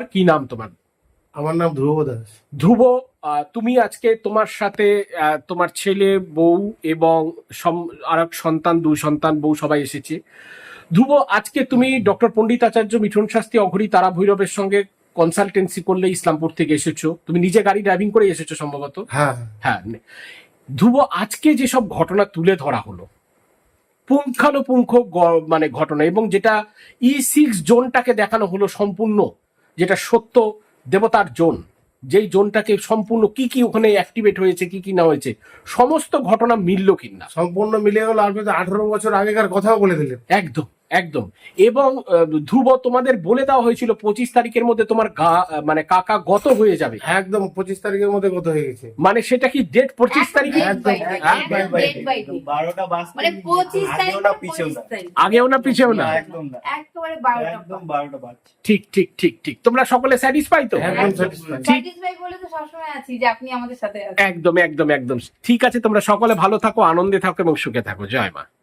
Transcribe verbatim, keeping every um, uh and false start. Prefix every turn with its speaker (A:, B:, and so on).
A: কি নাম তোমার?
B: আমার নাম ধ্রুব দাস।
A: ধ্রুব, তুমি আজকে তোমার সাথে তোমার ছেলে, বউ এবং আর এক সন্তান, দুই সন্তান, বউ সবাই এসেছে। ধ্রুব, আজকে তুমি ডক্টর পণ্ডিত আচার্য মিঠুন শাস্ত্রী অঘরী তারা ভৈরবের সঙ্গে কনসালটেন্সি করলে ইসলামপুর থেকে এসেছো। তুমি নিজে গাড়ি ড্রাইভিং করে এসেছো সম্ভবত।
B: হ্যাঁ
A: হ্যাঁ ধ্রুব, আজকে যেসব ঘটনা তুলে ধরা হলো, পুঙ্খানুপুঙ্খ মানে ঘটনা, এবং যেটা ই সিক্স জোনটাকে দেখানো হলো সম্পূর্ণ, যেটা সত্য দেবতার জোন, যেই জোনটাকে সম্পূর্ণ কি কি ওখানে অ্যাক্টিভেট হয়েছে, কি কি না হয়েছে, সমস্ত ঘটনা মিলল কিনা?
B: সম্পূর্ণ মিলে গেল। আপনি তো আঠারো বছর আগেকার কথাও বলে দিলেন।
A: একদম একদম। এবং ধ্রুব, তোমাদের বলে দেওয়া হয়েছিল পঁচিশ তারিখের মধ্যে তোমার গা মানে কাকা গত হয়ে যাবে।
B: একদম পঁচিশ তারিখের মধ্যে গত হয়ে গেছে।
A: মানে সেটা কি ডেট পঁচিশ তারিখে? আগেও না পিছেও না, ঠিক ঠিক ঠিক ঠিক। তোমরা সকলে স্যাটিসফাই তো? একদম একদম একদম। ঠিক আছে, তোমরা সকলে ভালো থাকো, আনন্দে থাকো এবং সুখে থাকো। জয় মা।